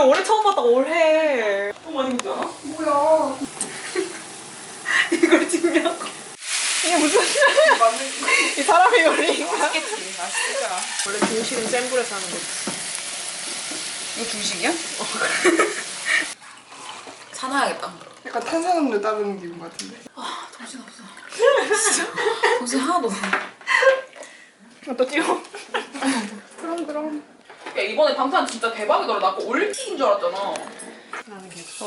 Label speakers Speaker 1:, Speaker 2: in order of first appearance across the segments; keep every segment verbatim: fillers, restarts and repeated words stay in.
Speaker 1: 올해 처음 봤다 올해. 너무 많이 보잖아.
Speaker 2: 뭐야?
Speaker 1: 이걸 찍냐고. 이게 무슨 이 사람이 요리인가?
Speaker 2: 맛있겠지. 맛있겠더라.
Speaker 1: 원래 중식은 센 불에서 하는 거지.
Speaker 2: 이거 중식이야? 어. 사놔야겠다.
Speaker 3: 약간 탄산음료 따르는 기분 같은데.
Speaker 2: 아 정신없어. 진짜 정신 하나도 없어.
Speaker 1: 또 찍어.
Speaker 3: 그럼 그럼.
Speaker 2: 야 이번에 방탄 진짜 대박이더라. 나 아까 올림픽인 줄 알았잖아.
Speaker 1: 나는 계속.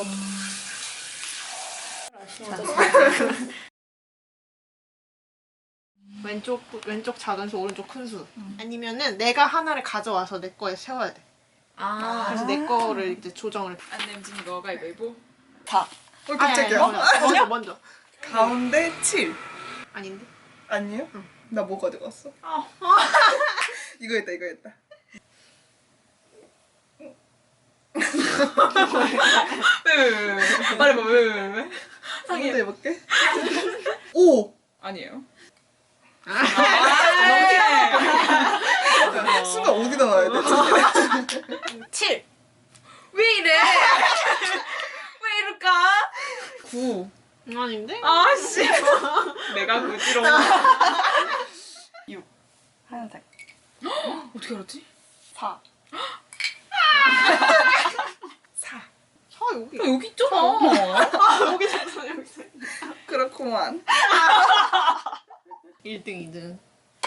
Speaker 1: 왼쪽 왼쪽 작은 수 오른쪽 큰 수. 음. 아니면은 내가 하나를 가져와서 내 거에 세워야 돼.
Speaker 2: 아.
Speaker 1: 그래서 내 거를 이제 조정을.
Speaker 2: 안 냄진 거 가위바위보.
Speaker 3: 다. 어
Speaker 1: 아니, 아니,
Speaker 3: 깜짝이야.
Speaker 1: 아니, 먼저 먼저.
Speaker 3: 가운데 칠.
Speaker 1: 아닌데?
Speaker 3: 아니에요?
Speaker 1: 응.
Speaker 3: 나 뭐 가져갔어?
Speaker 1: 아.
Speaker 3: 이거 했다 이거 했다.
Speaker 2: 왜왜왜 왜? 말해봐 왜왜 왜?
Speaker 3: 한번 더 해볼게. 오!
Speaker 2: 아니에요.
Speaker 1: 아.
Speaker 3: 순간 어디다 놔야 돼?
Speaker 1: 칠.
Speaker 2: 왜 이래? 왜 이럴까? 구.
Speaker 1: 아닌데?
Speaker 2: 아씨. 내가 구지롱.
Speaker 3: 하얀색.
Speaker 2: 어떻게 알았지?
Speaker 3: 사. 사.
Speaker 1: 사 여기.
Speaker 2: 야, 여기 있잖아.
Speaker 1: 아 여기 있어 여기 있어.
Speaker 3: 그렇구만.
Speaker 1: 일 등, 이 등.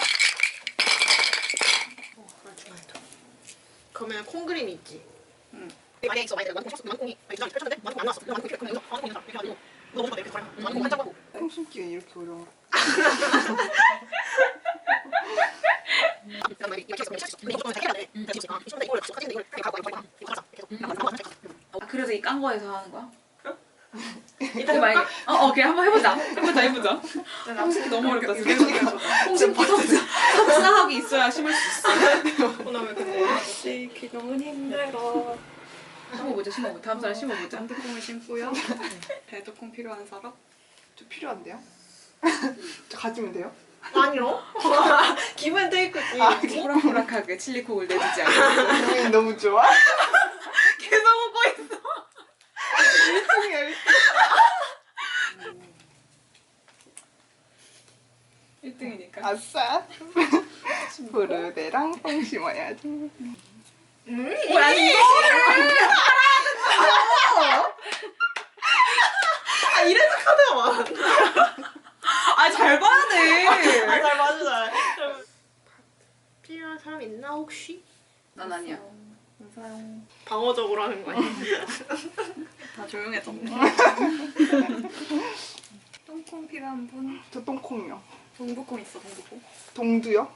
Speaker 1: 어, 그렇지. 그러면 콩그림이 있지. 응. 만약에 있어, 만약에 만콩 만콩이 두 장이 펼쳤는데 만콩 안 나왔어. 만콩 이렇게 그러면 여기서 만콩 이렇게 해가지고 너 먼저 이렇게 걸어. 만콩 한 장 하고.
Speaker 3: 콩 숨기가 이렇게 어려워.
Speaker 1: 그다음에 이렇게 해서 이거 좀 해야 돼. 음, 이거 좀 이걸 가지고 이걸 가고 이거 가고 이거 가자. 계속.
Speaker 2: 아, 그래서 이 깐 거에서 하는 거야?
Speaker 1: 이따
Speaker 2: 만약에 어, 어 그래 한번 해보자. 해보자 해보자. 홍식이 너무 어렵다. 홍식 버섯자 삽사하기 있어야 심을 수 있어.
Speaker 1: 그다음에 근데 쉐이키 너무 힘들어.
Speaker 2: 심어보자 심어보자. 다음 사람 심어보자.
Speaker 4: 단두콩을 심고요. 배두콩 필요한 사람?
Speaker 3: 좀 필요한데요? 저 가지면 돼요?
Speaker 1: 아니요. 기분 테이크지.
Speaker 2: 호락호락하게 칠리콕을 내주지 않고
Speaker 3: 기분이 너무 좋아?
Speaker 1: 계속 오고 있어.
Speaker 3: 일등이야 일등.
Speaker 2: 일 등이니까.
Speaker 3: 아싸. 부르대랑 뽕 심어야지.
Speaker 1: 음.
Speaker 2: 뭐야 이거?
Speaker 1: 아 이래서 카드가 많아.
Speaker 2: 아잘 봐야 돼.
Speaker 1: 아잘 맞아 잘. 필요한 사람 있나 혹시?
Speaker 2: 난 아니야.
Speaker 4: 감사용.
Speaker 1: 방어적으로 하는 거 아니야?
Speaker 4: 다 조용해졌네. 똥콩 필요한 분?
Speaker 3: 저 똥콩이요.
Speaker 4: 동부콩 있어, 동부콩.
Speaker 3: 동두요?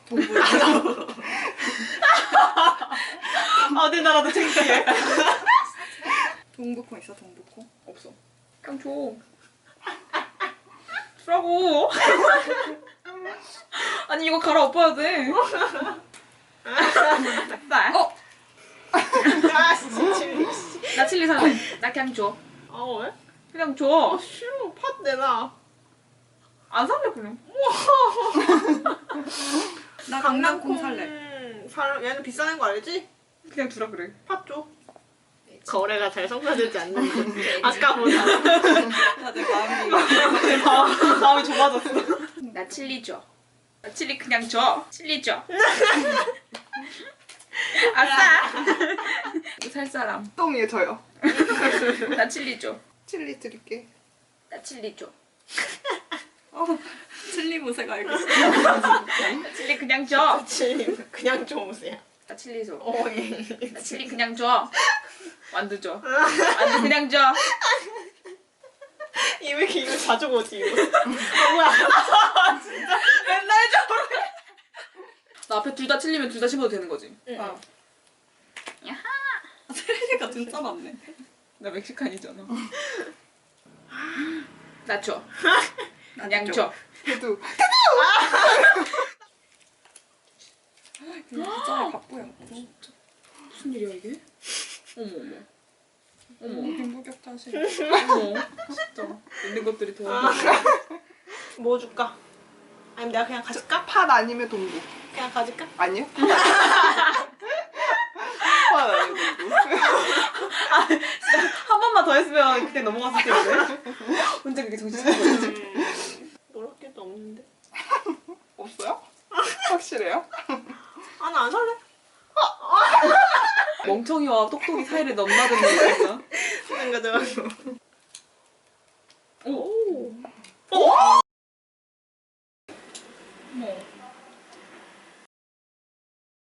Speaker 1: 어디 나라도 창피해.
Speaker 4: 동부콩 있어, 동부콩.
Speaker 2: 없어. 그냥 줘. 주라고. 아니 이거 갈아엎어야 돼. 나. 어.
Speaker 1: 아 진짜 칠리.
Speaker 2: 나 칠리 살래. 나 그냥 줘.
Speaker 1: 아 왜?
Speaker 2: 그냥
Speaker 1: 아
Speaker 2: 줘.
Speaker 1: 싫어. 팥 내놔.
Speaker 2: 안 살래 그냥.
Speaker 4: 나 강낭콩 살래.
Speaker 1: 살 얘는 비싸는 거 알지?
Speaker 2: 그냥 주라 그래.
Speaker 1: 팥 줘. 거래가 잘 성사되지 않는데 아까보다
Speaker 4: 다들 마음이.
Speaker 1: 마음, 마음이 좁아졌어.
Speaker 2: 나 칠리 줘. 나 칠리 그냥 줘. 칠리 줘. 아싸. 이거 살 사람.
Speaker 3: 똥이에요 저요.
Speaker 2: 나 칠리 줘.
Speaker 3: 칠리 드릴게.
Speaker 2: 나 칠리 줘.
Speaker 4: 어, 칠리 무색 알겠어.
Speaker 2: 나 칠리 그냥 줘.
Speaker 1: 칠리 그냥 좀 오세요.
Speaker 2: 나 칠리 줘.
Speaker 1: 어, 예.
Speaker 2: 나 칠리 그냥 줘. 완두 줘. 완두 그냥 줘.
Speaker 1: 이왜 이렇게 이거 자주 보지 이거. 아, 뭐야? 진짜 맨날 저래.
Speaker 2: 나 앞에 둘 다 칠리면 둘 다 심어도 되는 거지?
Speaker 1: 응.
Speaker 4: 어.
Speaker 2: 야하.
Speaker 4: 칠리가 진짜 많네.
Speaker 2: 나 멕시칸이잖아. 나 줘. 그냥 줘.
Speaker 3: 해도
Speaker 4: 진짜 바쁘야.
Speaker 2: 무슨 일이야 이게? 어머 어머. 어머
Speaker 4: 빈부격자실.
Speaker 2: 어머. 진짜 있는 것들이 더.
Speaker 1: 뭐 줄까? 아니면 내가 그냥 가질까?
Speaker 3: 팥 아니면 동두.
Speaker 1: 그냥 가질까?
Speaker 3: 아니요? 팥 아니면 동두.
Speaker 2: 때 넘어갔을 텐데. 혼자 그렇게 정신 차리고 있지.
Speaker 1: 뭐랄 게도 없는데.
Speaker 3: 없어요? 확실해요?
Speaker 1: 아, 나 안 살래.
Speaker 2: 멍청이와 똑똑이 사이를 넘나드는 거야.
Speaker 1: 그런 거죠.
Speaker 2: 오.
Speaker 1: 오!